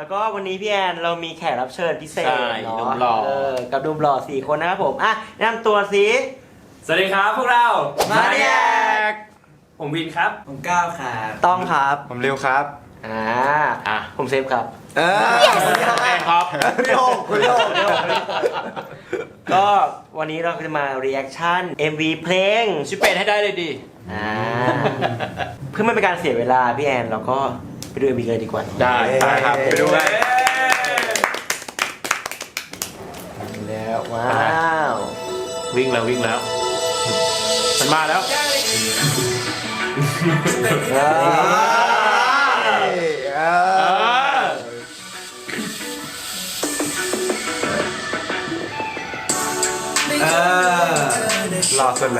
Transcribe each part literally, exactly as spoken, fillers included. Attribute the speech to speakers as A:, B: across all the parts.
A: แล้วก็วันนี้พี่แอนเรามีแขกรับเชิญพิเศษ
B: ใช่
A: เนาะ
B: หนุ่มหล่อ
A: เออกับหนุ่มหล่อสี่คนนะครับผมอ่ะแนะนำตัวสิ
B: สวัสดีครับพวกเรา
A: มาแยก
B: ผมวินครับ
C: ผมก้าวครับ
A: ต้องครับ
D: ผมเร็วครับ
A: อ่า
B: อ่ะ
A: ผมเซฟครับ
D: เออ
B: แม่ครับ
D: พี่โอ่งคุณโอ่ง
A: ก็วันนี้เราจะมา reaction เอ็ม วี เพลง
B: ชิปเป็ดให้ได้เลยดิ
A: อ่าเพื่อไม่เป็นการเสียเวลาพี่แอนเราก็ไปดู เอ็ม วี เลยดีกว่า
B: ได้ไปครับไปดูกัน
A: แล้วว้าว
B: วิ่งแล้ววิ่งแล้ว มันมาแล้ว
A: เออ
D: เอ
B: เอ
D: อ
B: อ
C: เออ
D: รอสุดเลย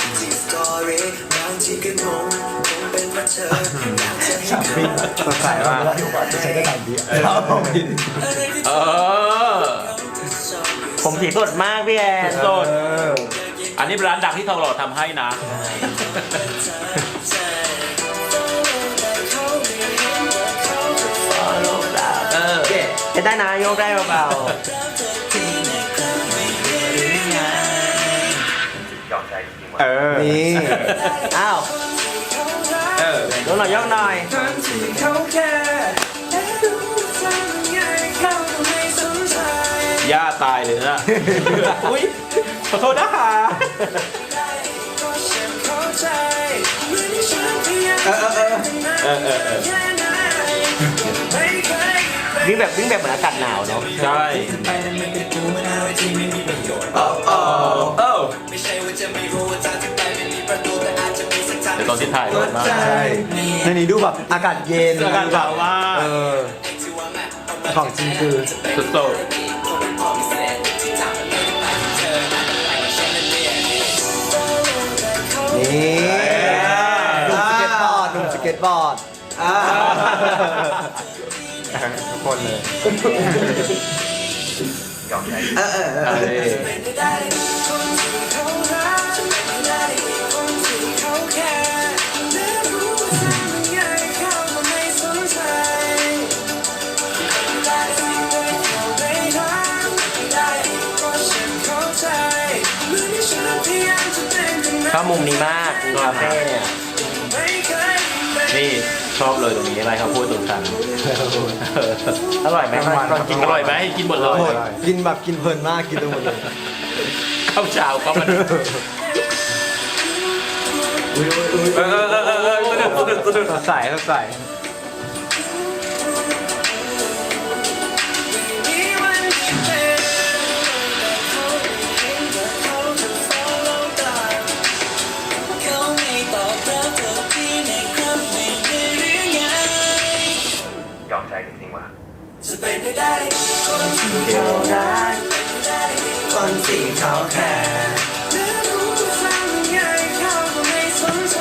C: ฉับวิ่ง
D: สดใสมาก
C: จะใช้ได้ทันที
B: เออ
A: ผมสีสดมากพี่แอน
B: สด อันนี้ร้านดังที่ทองหล่อทำให้นะ
A: เออจะได้นะโยกได้เบา
D: เออ นี่
A: ๆอ้าว
B: เออ
A: โยกหน่อยโยกหน่อย
B: ย่าตายเลยนะ อุ้ยขอโทษนะคะ
C: เออเออเออ
B: เออเออเออ
A: วิ่งแบบวิ่งแบบเหมือนอากาศหนาวเนาะ
B: ใช่
C: ไปนั่นมันเป็นกูมันอะไรที่ไม่มีประโยชน์
B: เออเออเออ
C: ไม่ใช่ว่าจะไม่รู้ว่าทางที่ไปไม่มีประตูแต่อาจจะมีสักทาง
B: เดี๋ยวตอนที่ถ่ายรถมา
D: ใช่ในนี้ดูแบบอากาศเย็น
B: อากาศหนาวมาก
D: เออ ของจริงคือ
B: สุดโต่ง
D: นี่หนุ่มสเก็ตบอร์ดหนุ่มสเก็ตบอร์ด
C: อ่า
D: ทุกคนเลย
C: เออเออเออ
B: เออ
A: ชอบมุมนี้มากคาเฟ่เนี่ย
B: นี่ชอบเลยตรงนี้อะไรครับพูดตรงกัน
A: อร่อยไหมตอนกิน
B: อร่อยไหมกินหมดเลย
D: หมดกินแบบกินเพลินมากกินไปหมดเลย
B: ข้าวเช้าก็มันเออเออเออเออเออสนุกสนุกสนุก
D: สดใสสดใส
C: จะเป็นไปได้คนที่เขารักคนที่เขาแคร์และรู้ว่าทำยังไงเขาก็ไม่สนใจ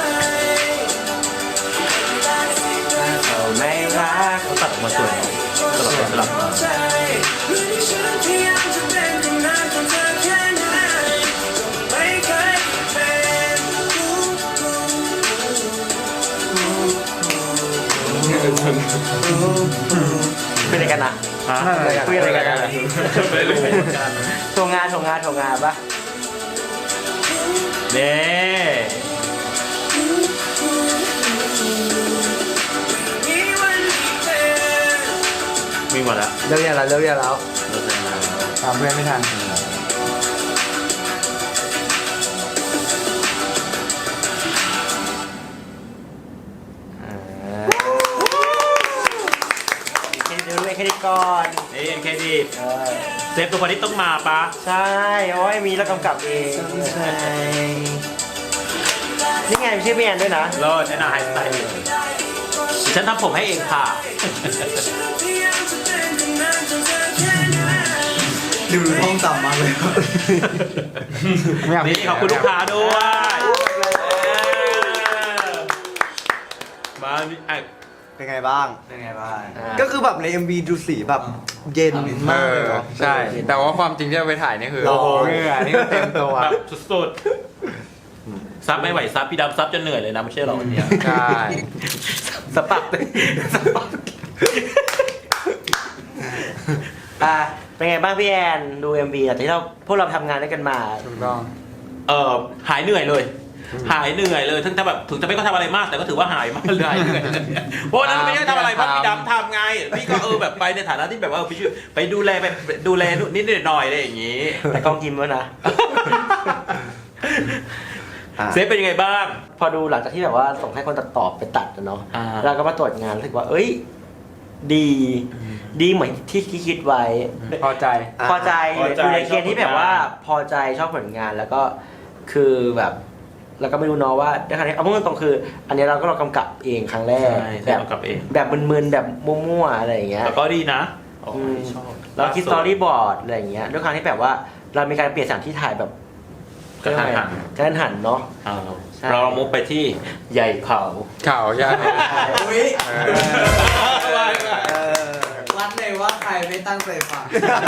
A: เขาไม่รัก
B: เขาตัดออกมาสวยสลับไปสลับมา
C: เรื่องที่ฉันพยายามจะเป็นคนนั้นของเธอแค่ไหนก็ไม่เคยเป็น
A: เป็นอะไรกันอะ
B: ฮะ
A: คุยอะไรกันอะ
B: ไม่รู้เหมือนกัน
A: โชว์งานโชว์งานโชว์งานปะ
B: เน่วิ่งหมดแล้ว
D: เลิกยังแล้วเลิกยังแล้ว
B: เลิกแล้ว
D: ตามเพื่อนไม่ทัน
A: แค่ดูด้วยแค่นี้ก่อน
B: นี่เอ็นเคดี
A: เออ
B: เซฟตัวคนที่ต้องมาปะ
A: ใช่โอ้ยมีแล้วกำกับเอง
D: ใช่
A: นี่ไงมีชื่อพี่แอนด้วยนะ
B: เลิศแนะนำไฮสไตล์ฉันทำผมให้เองค่ะ
C: ดูห้องต่ำมากเลย
D: ไม่อยาก
B: นี่ขอบคุณลูกค้าด้วยมาอ่ะ
D: เป็นไงบ้าง
C: เป็นไงบ้าง
D: ก็คือแบบใน เอ็ม วี ดูสีแบบเย็นมากเลยเนาะ
E: ใช่ แต่ว่าความจริงที่เราไปถ่ายนี่คือ
D: โอ้โห
E: เหงื่อนี่ก็เต็มตัว
B: แบบสุดๆซับไม่ไหวซับพี่ดำซับจนเหนื่อยเลยนะไม่ใช่หรอวันเนี้ย
E: ใช่
B: สปักเลยสปัก
A: อ่ะเป็นไงบ้างพี่แอนดู เอ็ม วี หลังจากที่เราพวกเราทำงานด้วยกันมา
E: ถูกต้อง
B: เออหายเหนื่อยเลย หายเหนื่อยเลยถึงจะแบบถึงจะไม่ก็ทำอะไรมากแต่ก็ถือว่าหายมากเลยเหนื่อยเพราะนั้นไม่ได้ทำอะไรเพราะพี่ดำทำไงพี่ก็เออแบบไปในฐานะที่แบบว่าไปช่วยไปดูแลไปดูแลนิดหน่อยอะไรอย่างนี้
A: แต่กล้องยิ้มแล้วนะ
B: เซฟเป็นยังไงบ้าง
A: พอดูหลังจากที่แบบว่าส่งให้คนตัดต่อไปตัดนะเนาะ
B: อ่า
A: เราก็มาตรวจงานรู้สึกว่า เอ้ย ดี ดีเหมือนที่คิดไว้
E: พอใจ
A: พอใจ
B: พอใจ
A: อยู่ในเกณฑ์ที่แบบว่า
B: ชอบผลงาน
A: พอใจชอบผลงานแล้วก็คือแบบเราก็ไม่รู้เนาะว่าในขณะนี้เอาพูดตรงๆคือ อันนี้เราก็เรากำกับเองครั้งแรก
B: ใช่
A: แบบ
B: กำกับเอง
A: แบบมึนๆแบบมั่วๆอะไรอย่างเงี้ย
B: แต่ก็ดีนะ
A: อืม
B: ชอบ
A: เราคิดสตอรี่บอร์ดอะไรอย่างเงี้ยด้วยความที่แบบว่าเรามีการเปลี่ยนสถานที่ถ่ายแบบ
B: กระทันหัน
A: กระทันหันเนาะ
B: เอา
A: ใช่
B: เรามุกไปที่ใหญ่เขา
E: ข่าวใหญ่
D: อุ้ย
E: เออ
D: เออวัดเลยว่าใครไม่ตั้งใจฟัง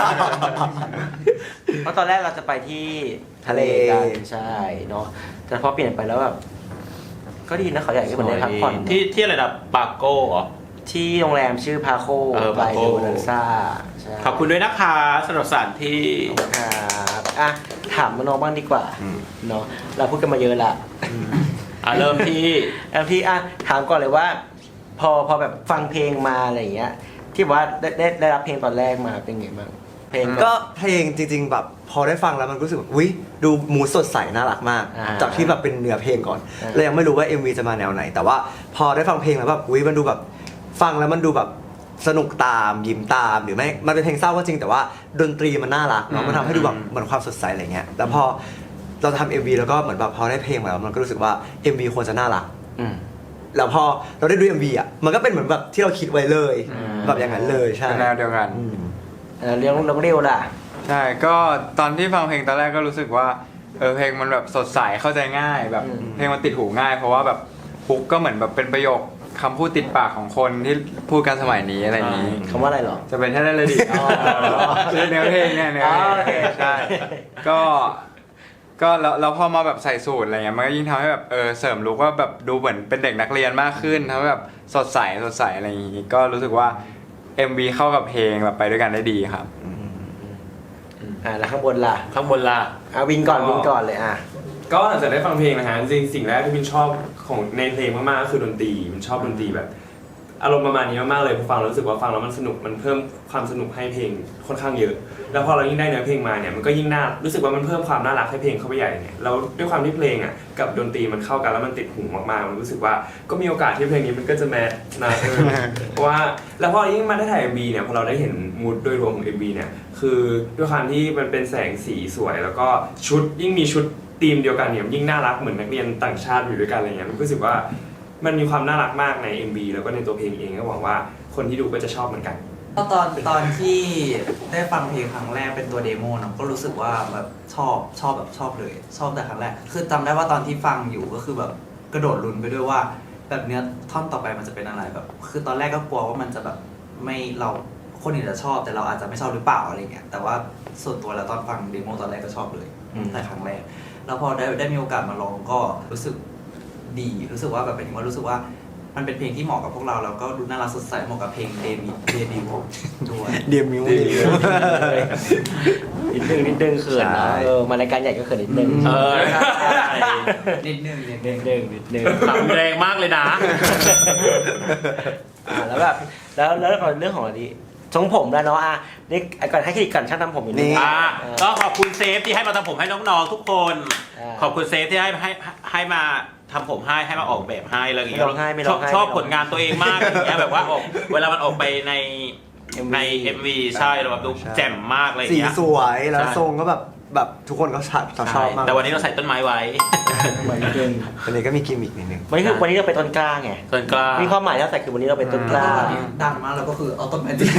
A: เพราะตอนแรกเราจะไปที่ทะเลกันใช่เนาะแต่พอเปลี่ยนไปแล้วแบบก็ดีนะเขาใหญ่ก็เหมือนได้พักผ่อน
B: ที่ที่อะไรนะปาโก้เหรอ
A: ที่โรงแรมชื่อพาโค
B: เออ
A: ไป
B: Paco
A: โดนันซ่าใช่
B: ขอบคุณด้วยนะคะสำหรับสถานที่
A: ครับอ่ะถามน้องบ้างดีกว่าเนาะเราพูดกันมาเยอะละ
B: อ่ะเริ่มที่
A: แอมที่อ่ะถามก่อนเลยว่า พอพอแบบฟังเพลงมาอะไรอย่างเงี้ย ที่บอกว่าได้ได้ได้รับเพลงตอนแรกมาเป็นไงบ้างเพลง
D: ก็เพลงจริงๆแบบพอได้ฟังแล้วมันรู้สึกแบบอุ้ยดูมูสดใสน่ารักมาก
A: อ่า
D: จากที่แบบเป็นเนื้อเพลงก่อน
A: อ่า
D: เรายังไม่รู้ว่า เอ็ม วี จะมาแนวไหน แต่ว่าพอได้ฟังเพลงแล้วแบบอุ้ยมันดูแบบฟังแล้วมันดูแบบสนุกตามยิ้มตามหรือไม่มันเป็นเพลงเศร้าก็จริงแต่ว่าดนตรีมันน่ารักเนาะมันทำให้ดูแบบเหมือนความสดใสอะไรเงี้ยแล้วพอเราทำ เอ็ม วี แล้วก็เหมือนแบบพอได้เพลงมาแล้วมันก็รู้สึกว่า เอ็ม วี ควรจะน่ารัก
A: อืม
D: แล้วพอเราได้ดู เอ็ม วี อ่ะมันก็เป็นเหมือนแบบที่เราคิดไว้เลย
A: อืม
D: แบบอย่างนั้นเลยใช่
E: เป็นแนวเดียวกัน
D: อืม
A: เออเรื่องน้องเร็วล่ะ
E: ใช่ ก็ตอนที่ฟังเพลงตอนแรกก็รู้สึกว่าเออเพลงมันแบบสดใสเข้าใจง่ายแบบ
A: อืม
E: เพลงมันติดหูง่าย เพราะว่าแบบฮุกก็เหมือนแบบเป็นประโยคคำพูดติดปากของคนที่พูดกันสมัยนี้อะไรอย่างนี้
A: คำว่าอะไรเหรอ
E: จะเป็นแค่ได้เลยดิ
A: อ๋อ
E: คือเนื้อเพลงเนี่ยเนื้อ
A: อ๋อ
E: เพ
A: โอเค
E: ลงใช่ก็ก็แล้วแล้วพอมาแบบใส่สูตรอะไรเงี้ยมันก็ยิ่งทำให้แบบเออเสริมลุคว่าแบบดูเหมือนเป็นเด็กนักเรียนมากขึ้นทำให้แบบสดใสสดใสอะไรอย่างงี้ก็รู้สึกว่า เอ็ม วี เข้ากับเพลงแบบไปด้วยกันได้ดีครับ
A: อ่าแล้วข้างบนล่ะ
B: ข้างบนล่ะ
A: อ่ะวินก่อนวินก่อนเลยอ่ะ
F: ก็หลังจากได้ฟังเพลงนะฮะจริงๆสิ่งแรกที่มินชอบของในเพลงมากๆก็คือดนตรีมินชอบดนตรีแบบ อารมณ์ประมาณนี้มากๆเลยพอฟังแล้วรู้สึกว่าฟังแล้วมันสนุกมันเพิ่มความสนุกให้เพลงค่อนข้างเยอะ แล้วพอเรายิ่งได้เนื้อเพลงมาเนี่ยมันก็ยิ่งน่ารู้สึกว่ามันเพิ่มความน่ารักให้เพลงเข้าไปใหญ่เนี่ยแล้วด้วยความที่เพลงอ่ะกับดนตรีมันเข้ากันแล้วมันติดหูมากๆมันรู้สึกว่าก็มีโอกาสที่เพลงนี้มันก็จะแมทนะเออ เพราะว่าแล้วพอยิ่งมาได้ถ่าย เอ็ม วี เนี่ยพอเราได้เห็นมูดโดยรวมของ เอ็ม วี เนี่ยคือด้วยความที่มันเป็นแสงสีสวย แล้วก็ชุดยิ่งมีชุดธีมเดียวกันเนี่ยยิ่งน่ารักเหมือนนักเรียนต่างชาติอยู่ด้วยกันอะไรเงี้ยมันรู้สึกว่ามันมีความน่ารักมากใน เอ็ม วี แล้วก็ในตัวเพลงเองก็หวังว่าคนที่ดูก็จะชอบเหมือนกัน
G: ก็ตอนตอนที่ได้ฟังเพลงครั้งแรกเป็นตัวเดโมเนอะก็รู้สึกว่าแบบชอบชอบแบบชอบเลย ชอบแต่ครั้งแรกคือจำได้ว่าตอนที่ฟังอยู่ก็คือแบบกระโดดลุ้นไปด้วยว่าแบบเนื้อท่อนต่อไปมันจะเป็นอะไรแบบ คือตอนแรกก็กลัวว่ามันจะแบบไม่เราคนอื่นจะชอบแต่เราอาจจะไม่ชอบหรือเปล่าอะไรเงี้ยแต่ว่าส่วนตัวแล้วตอนฟังเดโมตอนแรกก็ชอบเลย
A: อืม
G: แต่ครั้งแรกแล้วพอได้ได้มีโอกาสมาลองก็รู้สึกดีรู้สึกว่าแบบเป็นว่ารู้สึกว่ามันเป็นเพลงที่เหมาะกับพวกเราแล้วก็ดูน่ารักสดใสเหมาะกับเพลงเดบิวต์เดบิวต์ด้วย
D: เดียมิว
A: นิดนึงนิดนึงเขินนะ
D: ใช่
A: เออมารายการใหญ่ก็เขินนิดนึง
B: เออ
G: นิดนึงนิดนึ
A: นิ
G: ง
A: ดนึงนิดนึง
B: ขำแรงมากเลยนะ
A: อ่าแล้วแบบแล้วแล้วเรื่องของอะไรดีทรงผมแล้วเนาะอ่ะนี่ก่อนให้เครดิตก่อนช่างทำผมอยู่นี่
B: อ่าก็ขอบคุณเซฟที่ให้มาทำผมให้น้องๆทุกคน
A: อ่า
B: ขอบคุณเซฟที่ให้ให้ให้มาทำผมให้ให้มาออกแบบให้อะไรอย่างเงี้ย
A: ไม่ร้องไห้ไม่ร้องไห้
B: ชอบชอบ
A: ไม่ร้องไห้
B: ผลงานตัวเองมากอย่างเงี้ยแบบว่าออกเวลามันออกไปใน
A: เอ็มวี
B: ใน เอ็ม วี ใช่เราแบบดูแจ่มมากอะไรอย่าง
D: สี
B: เงี้ย
D: สวยแล้ว
B: ใช่
D: ทรงก็แบบแบบทุกคนก็ชอบชอบมาก
B: แต่วันนี้เราใส่ต้นไม้ไว้
A: เหมือนเดิม
D: วันนี้ก็มีกิมมิกนิดนึง
A: วันนี้คือวันนี้เราเป็นต้นกล้าไง
B: ต้นกล้า
A: มีความหมายแล้วแต่คือวันนี้เราเป็นต้นกล้า
G: แล้วก็ดังมากแล้วก็คือเอาต้นไม้ดิ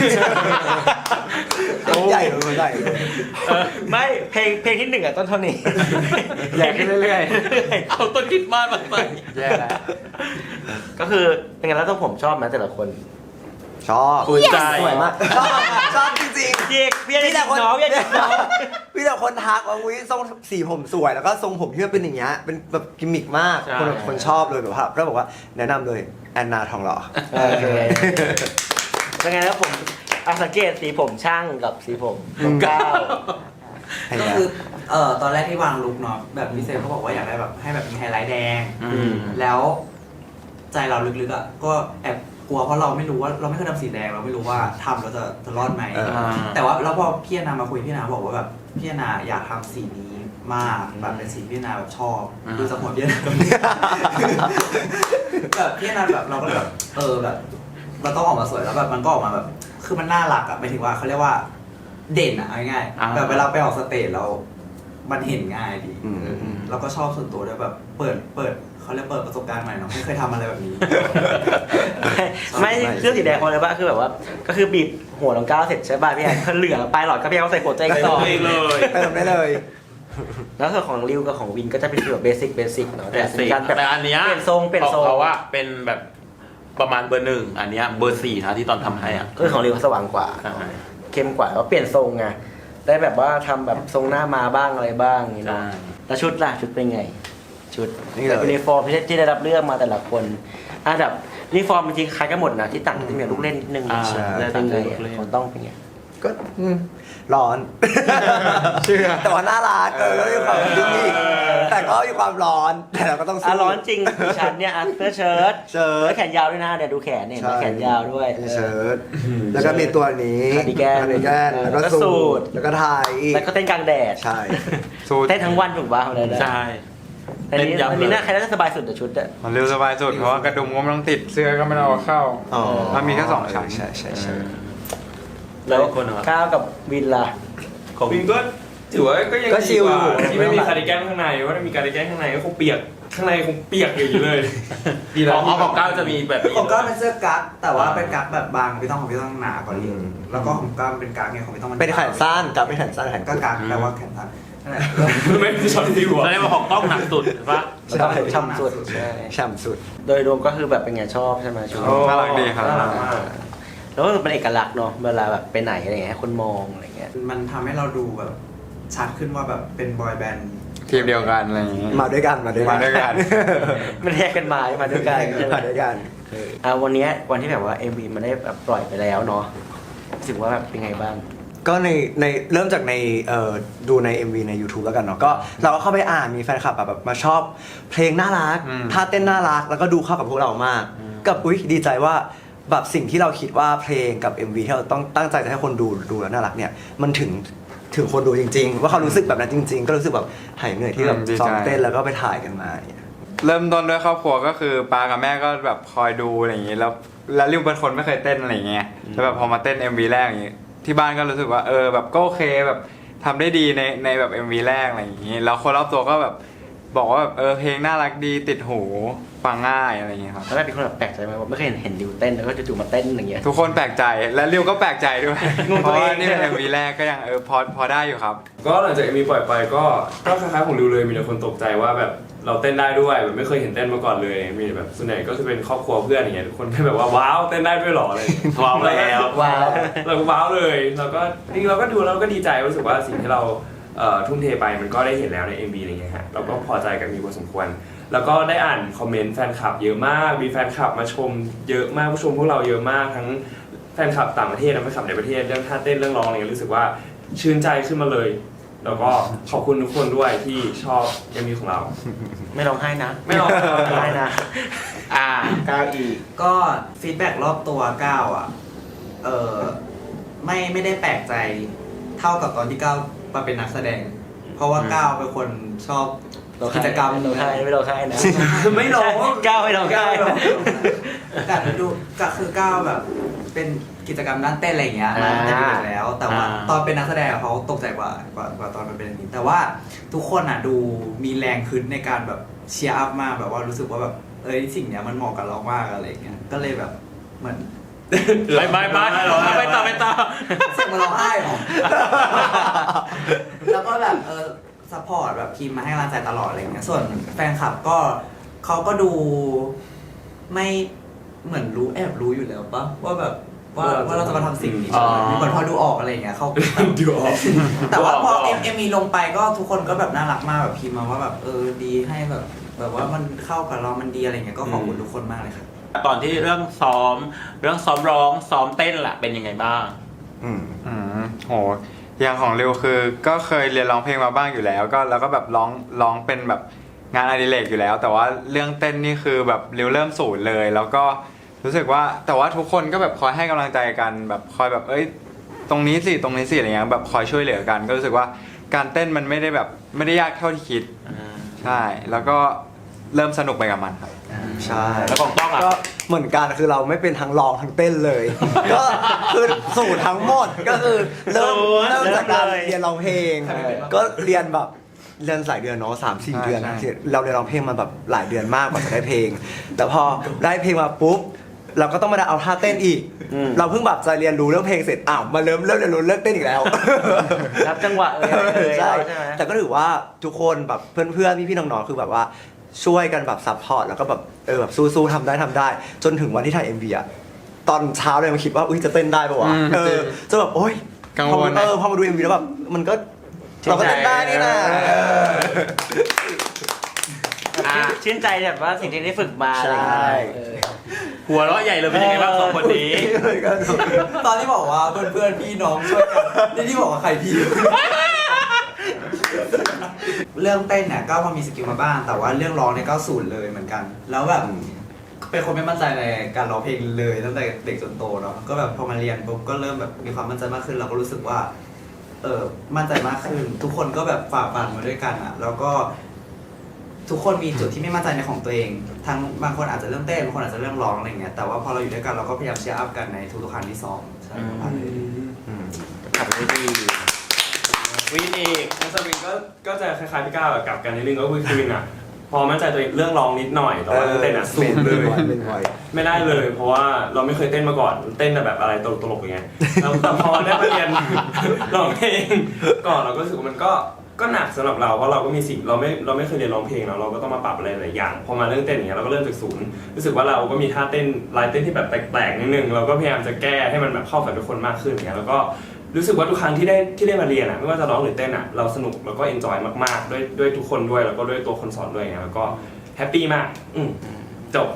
D: ใหญ่เลยใหญ่เลย
A: เออไม่เพลงเพลงที่หนึ่งอ่ะต้นเท่านี้
E: ใหญ่ขึ้นเรื่อย
B: เอาต้นคริดมาสมาใส่
E: ๆ แย่แล้ว
A: ก็คือเป็นไงแล้วต้องผมชอบไหมแต่ละคน
D: ชอบ
B: ภูมิใจ
D: สวยมากชอบชอบจริง
A: เรียกพี่จะได้น้องพี่จะได้น้อง
D: ๆพี่แต่คนทักว่าอุ้ยทรงสีผมสวยแล้วก็ทรงผมที่มันเป็นอย่างเงี้ยเป็นแบบกิมมิกมาก
B: ใช่
D: คนแบบคนชอบเลยแบบว่าแล้วบอกว่าแนะนำเลยแอนนาทองหล่อ
A: โอเคเป็นไงแล้วผมอ่ะสังเกตสีผมช่างกับสีผมของก้าว
D: ให้
G: ก็
D: นะ
G: คือเอ่อตอนแรกที่วางลุคเนาะแบบพิเศษเขาบอกว่าอยากได้แบบให้แบบมีไฮไลท์แดง
B: อืม
G: แล้วใจเราลึกๆอ่ะก็แอบกลัวเพราะเราไม่รู้ว่าเราไม่เคยทำสีแดงเราไม่รู้ว่าทำแล้วจะจะรอดไหม
D: เออ
G: แต่ว่าแล้วพอพี่อนามาคุยพี่อนาบอกว่าแบบพี่อนาอยากทำสีนี้มากแบบเป็นสีที่พี่อนาแบบชอบ
B: อืม
G: ดูสมองพี่อนาตรงนี้ แบบพี่อนาแบบเราก็เลยแบบเออแบบเราต้องออกมาสวยแล้วแบบมันก็ออกมาแบบคือมันน่ารักอะหมายถึงว่าเขาเรียกว่าเด่นอะเอาง่าย
B: อ่า
G: ๆแบบเวลาไปออกสเตจเรา มันเห็นง่ายดี
D: อืม
G: เออแล้วก็ชอบส่วนตัวด้วยแบบเปิดเปิดเขาเรียกเปิดประสบการณ์ใหม่เนาะไม่เคยทำอะไรแบบนี้
A: ไม่ไม่เรื่องสีแดงคนเลยว่าคือแบบว่า ก็คือบีบหัวน้องก้าวเสร็จใช่ป่ะพี่แอนเขาเหลือปลายหลอดก็พี่แอนเขาใส่หัวใจอีกต่อ
B: ใส่หัวตัวเองเลย
D: เติมได้เลย
A: แล้วส่วนของริวกับของวินก็จะเป็นฟีลแบบเบสิกเบสิกเนาะ
B: แต่
A: แต่
B: สิ
A: เป็นการแบบ
B: แต่อันเนี้ย
A: เปลี่ยนทรงเปลี่ยนทรง
B: เขาว่าเป็นแบบประมาณเบอร์หนึ่งอันเนี้ยเบอร์สี่นะที่ตอนทำให้อ่ะ
A: ก็คือของริวเขาสว่างกว่า
B: ใช่
A: เข้มกว่าแล้วเปลี่ยนทรงไงได้แบบว่าทำแบบทรงหน้ามาบ้างอะไรบ้างอย่างนี้
B: ใช่
A: เนาะแล้วชุดล่ะชุดเป็นไง ชุด
D: นี่เลย
A: แบบยูนิฟอร์มที่ที่ได้รับเลือกมาแต่ละคนอ่ะแบบยูนิฟอร์มจริงๆคล้ายกันหมดนะที่ต่างจะมีลูกเล่นนิดนึง
B: อ่า
A: ใช่
B: ใช่
A: เป็นไง
B: ลูกเล่น
A: ของต้องเป็นไง
D: ก็อืมร้อน
E: เชื่อ
D: แต่ว่าน่ารักเออก็มีความยุ่งอีกแต่ก็มีความร้อน แต่เราก็ต้อง
A: อ่ะ
D: สู้
A: ร้อนจริงดิฉันเนี่ยอ่ะเสื้อเชิ้ต
D: เชิ้ต
A: แล้วแขนยาวด้วยนะเนี่ยดูแขนเนี่ยเห็นไหม
D: ใช่
A: แขนยาวด้วย
D: มีเชิ้ตแล้วก็มีตัวนี้
A: คาร์ดิแกน
D: คาร์ดิแกนแล้วก็
A: แล้วก็สู
D: สู
A: ท
D: ทแล้วก็ไทยอีก
A: แล้วก็เต้นกลางแดด
D: ใช่
E: สูตร
A: เต้นทั้งวันถูกป่ะอะไรนะ
B: ใช่
A: อันนี้
B: เต้นยับ
A: อันนี้
B: เลย
A: น่าใครน่าจะสบายสุดแต่ชุดอะ
E: มันเร็วสบายสุดเพราะว่ากระดุมก็ไม่ต้องติดเสื้อก็ไม่ต้องเอาเข้า
D: อ๋อ
E: มันมีแค่สองชั้น
D: ใช่ใช่ใช่
A: แล้ว
B: คนเหรอ
A: ก้าวกับวินล่ะ
B: ของ
F: วินก็ถือว่าก็ยัง
D: ก็ชิ
F: ดี
D: ล
F: กว่า
D: อยู่
F: ที่ไม่มีคาร์ดิแกนข้างในว่าถ้ามีคาร์ดิแกนข้างในก็คงเปียกข้างในคงเปียกอยู่เลยดี
B: ข
F: แล้ว
B: องของของก้าวจะมีแบบนี้
G: ของก้าวเป็นเสื้อกั๊กแต่ว่าเป็นกั๊กแบบบางพี่ต้องของพี่ต้องหนากว่านี้
D: อืม
G: แล้วก็ของก้าวเป็นกั๊กไงของพี่ต้องมัน
D: เป็นแขนสั้นกับเป็นแขนสั้นแขน
G: ก็กั๊กแปลว่าแขนสั้นนั่นแหละ
F: ไม่ใช่ช็อตที่หัว
B: แสดงว่าของต้องหนักสุดใช่ปะ
A: แล้วก็เป็นช่ำสุดใช่
D: ฉ่ำสุด
A: โดยรวมก็คือแบบเป็นไงชอบใช่ไหมชุด
F: โอ้
E: น่ารักดีครับ
F: น่ารักมาก
A: แล้วก็เป็นเอกลักษณ์เนาะเวลาแบบไปไหนอะไรเงี้ยให้คนมองอะไรเงี้ย
G: มันทำให้เราดูแบบชัดขึ้นว่าแบบเป็นบอยแบนด์
E: ทีมเดียวกันอะไรอย่างงี้
D: มาด้วยกันมาด้วยกั
E: มาน ด้วยกัน
A: มันแยกกันมามาด้วยกันใช่ไหม
D: มาด้วยกัน
A: อ่ะวันเนี้ยวันที่แบบว่า เอ็ม วี มันได้แบบปล่อยไปแล้วเนาะรู้สึกว่าแบบเป็นไงบ้าง
D: ก็ในในเริ่มจากในเอ่อดูใน เอ็ม วี ใน YouTube แล้วกันเนาะก็เราก็เข้าไปอ่านมีแฟนคลับแบบแบบมาชอบเพลงน่ารัก
E: อืม
D: ท่าเต้นน่ารัก แล้วก็ดูเข้ากับพวกเรามาก กับอุ้ยดีใจว่าแบบสิ่งที่เราคิดว่าเพลงกับ เอ็ม วี ที่เราต้องตั้งใจจะให้คนดูดูแล้วน่ารักเนี่ยมันถึงถึงคนดูจริง ๆ ว่าเขารู้สึกแบบนั้นจริง ๆ ก็รู้สึกแบบหายเหนื่อยที่แบบ
E: อืมดีใจ
D: ซ้อมเต้นแล้วก็ไปถ่ายกันมาอย่างเงี้ย
E: เริ่มต้นด้วยครอบครัวก็คือปากับแม่ก็แบบคอยดูอะไรอย่างงี้แล้วแล้วริวเป็นคนไม่เคยเต้นอะไรอย่างเงี้ยแล้วแบบพอมาเต้น เอ็ม วี แรกอย่างงี้ที่บ้านก็รู้สึกว่าเออแบบก็โอเคแบบทำได้ดีในในแบบ เอ็ม วี แรกอะไรอย่างงี้แล้วคนรอบตัวก็แบบบอกว่าแบบเออเพลงน่ารักดีติดหูฟังง่ายอะไรอย่างเงี้ยครับ
A: แล้วแบบเป็นคนแบบแปลกใจไหมว่าไม่เคยเห็นเห็นดิวเต้นแล้วก็จู่ๆมาเต้นอย่างเงี้ย
E: ทุกคนแปลกใจและริวก็แปลกใจด้วย
A: งง
E: เพ
A: ตัว
E: ราะ
A: เอง
E: ว่านี่เป็น เอ็ม วี แรกก็ยังเออพอพอได้อยู่ครับ
F: ก็หลังจากมีปล่อยไปก็ก็คล้ายๆของริวเลยมีแต่คนตกใจว่าแบบเราเต้นได้ด้วยแบบไม่เคยเห็นเต้นมาก่อนเลยมีแบบส่วนใหญ่ก็จะเป็นครอบครัวเพื่อนอย่างเงี้ยทุกคนก็แบบว่าว้าวเต้นได้ด้วยเหรออะไรอย่างเงี้ย
B: ว้าวแล้ว
A: ว้าว
F: เราก็ว้าวเลยเราก็จริงๆเราก็ดูแล้วเราก็ดีใจรู้สึกว่าสิ่งที่เราเอ่อทุ่มเทไปมันก็ได้เห็นแล้วใน เอ็ม วี อะไรเงี้ยฮะเราก็พอใจกับมีพอสมควร แล้วก็ได้อ่านคอมเมนต์แฟนคลับเยอะมากมีแฟนคลับมาชมเยอะมากผู้ชมพวกเราเยอะมากทั้งแฟนคลับต่างประเทศและแฟนคลับในประเทศเรื่องท่าเต้นเรื่องร้องอะไรเงี้ยรู้สึกว่าชื่นใจขึ้นมาเลยแล้วก็ขอบคุณทุกคนด้วยที่ชอบ เอ็ม วี ของเรา
A: ไม่ร้องไห้นะ
F: ไม่ร้องไห้
A: ไม่ร้องไห้นะ
B: อ่า
A: ก้าวอีก
G: ก็ฟีดแบ็กรอบตัวก้าวอ่ะเออไม่ไม่ได้แปลกใจเท่ากับตอนที่ก้าวมาเป็นนักแสดง เพราะว่าก้าวเป็นคนชอบกิจกรรม
A: ไม่ร้องไห้ไม่ร้องไห้นะ
G: ไม่ร้อง
A: ก้าวไม่ร้องไห้
G: แต่ดูก็คือก้าวแบบเป็นกิจกรรมด้านเต้นอะไรอย่างเงี้ยมาตั้งแต่เด็กแล้ว แต่ว่า
B: อ่า
G: ตอนเป็นนักแสดงอะเขาตกใจกว่ากว่ากว่าตอนมันเป็นอย่างนี้แต่ว่าทุกคนอ่ะดูมีแรงขึ้นในการแบบเชียร์อัพมากแบบว่ารู้สึกว่าแบบเอ้ยสิ่งเนี้ยมันเหมาะกับเรามากอะไรอย่างเงี้ยก็เลยแบบเหมือน
B: ไปไปไปไปต่อไปต่อ
G: เสียงมันร้องไห้เหรอ แล้วก็แบบเออซัพพอร์ตแบบพิมพ์มาให้กำลังใจตลอดอะไรอย่างเงี้ย ส่วนแฟนคลับก็เขาก็ดูไม่เหมือนรู้แอบรู้อยู่แล้วปะว่าแบบว่าว่าเราจะมาทำสิ่งนี้
B: อ๋อ
G: เหมือนพอดูออกอะไรอย่างเงี้ยเขา
F: ดูออก
G: แต่ว่าพอ
B: ดูออก
G: เอ็มเอ็มมีลงไปก็ทุกคนก็แบบน่ารักมากแบบพิมพ์มาว่าแบบเออดีให้แบบ แบบว่ามันเข้ากับเรามันดีอะไรเงี้ยก็ขอบคุณทุกคนมากเลยครับ
B: ตอนที่เรื่องซ้อมเรื่องซ้อมร้องซ้อมเต้นล่ะเป็นยังไงบ้าง
D: อืม
E: อืมโหอย่างของริวคือก็เคยเรียนร้องเพลงมาบ้างอยู่แล้วก็แล้วก็แบบร้องร้องเป็นแบบงานอดิเรกอยู่แล้ว แต่ว่าเรื่องเต้นนี่คือแบบริวเริ่มศูนย์เลย แล้วก็รู้สึกว่าแต่ว่าทุกคนก็แบบคอยให้กำลังใจกันแบบคอยแบบเอ้ยตรงนี้สิตรงนี้สิอะไรเงี้ยแบบคอยช่วยเหลือกัน ก็รู้สึกว่าการเต้นมันไม่ได้แบบไม่ได้ยากเท่าที่คิดใช่แล้วก็เริ่มสนุกไปกับมันครับ
D: ใช่
B: แล้วของต้องอ่ะ
D: ก็เหมือนกันคือเราไม่เป็นทั้งร้องทั้งเต้นเลย ก็คือสูตรทั้งหมดก็คือเริ่ม
A: ศูนย์
D: เริ่มจากการ
A: เริ่มเลย
D: เรียนร้องเพลง
G: ใช่
D: ก็เรียนแบบเรียนหลายเดือนเนาะสามสี่
E: ใช่
D: เดือน
E: ใช่
D: เราเรียนร้องเพลงมาแบบหลายเดือนมากกว่าจะได้เพลง แต่พอได้เพลงมาปุ๊บเราก็ต้องมาเอาท่าเต้นอีก
A: อืม
D: เราเพิ่งแบบจะเรียนรู้เรื่องเพลงเสร็จอ้าวมาเริ่มเริ่มเรียนรู้เรื่องเต้นอีกแล้ว
A: รับจังหวะเอ่ยอะไรเอ่ย
D: ใช่
A: ใช่ไหม
D: แต่ก็ถือว่าทุกคนแบบเพื่อนๆพี่ๆน้องๆคือแบบว่าช่วยกันแบบซัพพอร์ตแล้วก็แบบเออแบบสู้ๆทำได้ทำได้ จนถึงวันที่ถ่าย เอ็ม วี อะตอนเช้าเลยมาคิดว่าอุ้ยจะเต้นได้ปะวะ
E: อืม
D: เออจะแบบโอ๊ย
E: กังวล
D: พอมัน
E: นะ
D: เออพอมาดู เอ็ม วี แล้วแบบมันก็เราก็เต้นได้นี่นะ
B: อ่ะ
A: ชื่นใจแบบว่าสิ่งที่ได้ฝึกมาอะไรอย่างเงี้ยเออ
B: หัวเราะใหญ่เลยเป็นยังไงบ้างสองคนนี้
G: ตอนที่บอกว่าเพื่อนๆพี่น้องช่วยกันนี่ที่บอกว่าใครพี่ เรื่องเต้นเนี่ยก็พอมีสกิลมาบ้าง แต่ว่าเรื่องร้องเนี่ยก็ศูนย์เลยเหมือนกัน แล้วแบบเป็นคนไม่มั่นใจในการร้องเพลงเลยตั้งแต่เด็กจนโตเนาะก็แบบพอมาเรียนปุ๊บก็เริ่มแบบมีความมั่นใจมากขึ้นเราก็รู้สึกว่า เออมั่นใจมากขึ้น ทุกคนก็แบบฝ่าฟันมาด้วยกันอ่ะ แล้วก็ทุกคนมีจุดที่ไม่มั่นใจในของตัวเองทั้งบางคนอาจจะเรื่องเต้นบางคนอาจจะเรื่องร้องอะไรเงี้ยแต่ว่าพอเราอยู่ด้วยกันเราก็พยายามเชียร์อัพกันในทุกๆครั้งที่ซ้อมใช่ประมาณนี้
A: ขับไปดี
B: วินอีก
F: แล้วสวิงก็ก็จะคล้ายๆพี่ก้าวแบบกลับกันนิดนึงก็คือสวิงอ่ะพอมั่นใจตัวเองเรื่องร้องนิดหน่อยแต่ว่าเรื่องเต้นอ่ะสูงเลย
D: เป็นไว
F: ไม่ได้เลย เพราะว่าเราไม่เคยเต้นมาก่อนเต้นแต่แบบอะไรตลกๆอย่างเงี้ยแล้วแต่พอได้มาเรียน ร้องเพลงก่อนเราก็รู้สึกว่ามันก็ก็หนักสำหรับเราเพราะเราก็มีสิ่งเราไม่เราไม่เคยเรียนร้องเพลงเนาะเราก็ต้องมาปรับอะไรหลายอย่างพอมาเรื่องเต้นอย่างเงี้ยเราก็เริ่มจากศูนย์รู้สึกว่าเราก็มีท่าเต้นลายเต้นที่แบบแปลกๆนิดนึงเราก็พยายามจะแก้ให้มันแบบเข้ากับทุกคนมากขึ้นอย่างเงี้ยแล้วก็รู้สึกว่าทุกครั้งที่ได้ที่ได้มาเรียนอ่ะไม่ว่าจะร้องหรือเต้นอ่ะเราสนุกแล้วก็เอนจอยมากๆด้วยด้วยทุกคนด้วยแล้วก็ด้วยตัวคนสอนด้วยอย่างเงี้ยแล้วก็แฮปปี้มากอืมจบ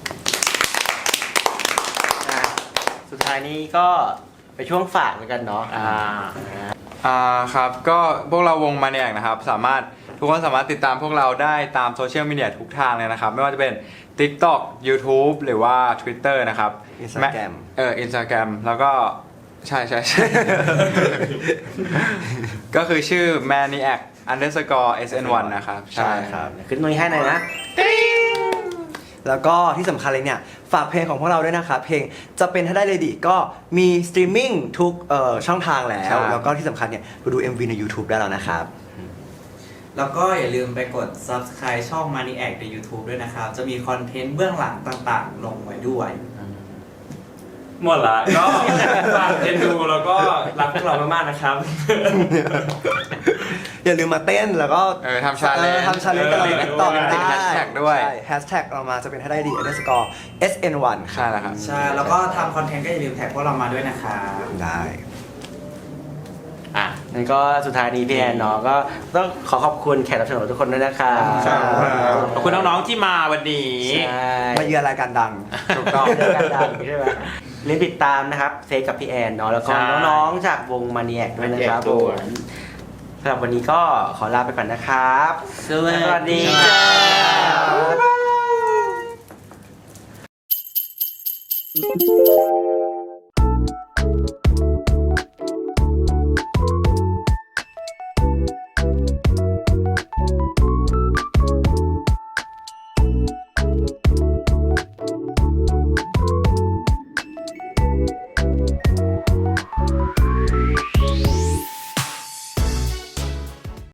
A: อ่ะสุดท้ายนี้ก็ไปช่วงฝากแล้วกันเนาะ
B: อ่า
E: อ่าครับก็พวกเราวงมาเนียกนะครับสามารถทุกคนสามารถติดตามพวกเราได้ตามโซเชียลมีเดียทุกทางเลยนะครับ ไม่ว่าจะเป็น TikTok YouTube หรือว่า Twitter นะครับ
D: Instagram
E: เออ Instagram แล้วก็ใช่ใช่ใช่ ก็คือชื่อ maniac underscore เอส เอ็น วัน นะครับ
D: ใช่ครับ
A: ขึ้นตรงนี้ให้หน่อยนะ
D: แล้วก็ที่สำคัญเลยเนี่ย ฝากเพลงของพวกเราด้วยนะครับ เพลงจะเป็นถ้าได้เลยดีก็มีสตรีมมิ่งทุกเอ่อช่องทางแล้
E: ใช่
D: ว แล้วก็ที่สำคัญเนี่ยไปดู เอ็ม วี ใน YouTube ได้แล้วนะครับ
G: แล้วก็อย่าลืมไปกด Subscribe ช่อง Maniac ใน YouTube ด้วยนะครับ จะมีคอนเทนต์เบื้องหลังต่างๆ ลงไว้ด้วย
F: หมดละก็ฝากเอ็นดูแล้วก็รักพวกเรามากๆนะครับ
D: อย่าลืมมาเต้นแล้วก็
E: เออทำ challenge
D: เออทำชาเลนจ์กันใน
F: เออ
D: ติ๊กต็อก
E: ติ
D: ได้
E: ด hashtag ด้วย
D: ใช่แฮชแท็กเรามาจะเป็นถ้าได้ดี underscore เอส เอ็น วัน
E: ใช่แล้วครับ
G: ใช่ แล้วก็ทำคอนเทนต์ก็อย่าลืมแท็กพวกเรามาด้วยนะครับ
D: ได้
A: อ่ะงั้นก็สุดท้ายนี้พี่แอนเนาะก็ต้องขอขอบคุณแขกรับเชิญของทุกคนด้วยนะคะ
D: ครับ
B: ขอบคุณน้องๆที่มาวันนี้
A: ใช่
D: มาเยือนรายการดัง
B: ถูกต้อง
A: เจอกันดังใช่ไหมเรียนติดตามนะครับเซกับพี่แอนเนาะแล้วก็
B: ใช่
A: น้องๆจากวงมาเนียกด้วยนะครับ
B: Maniac ด้วย
A: ผมสำหรับวันนี้ก็ขอลาไปก่อนนะครับ
B: สวัสดี
A: สวัสดีจ้า
D: Thank you.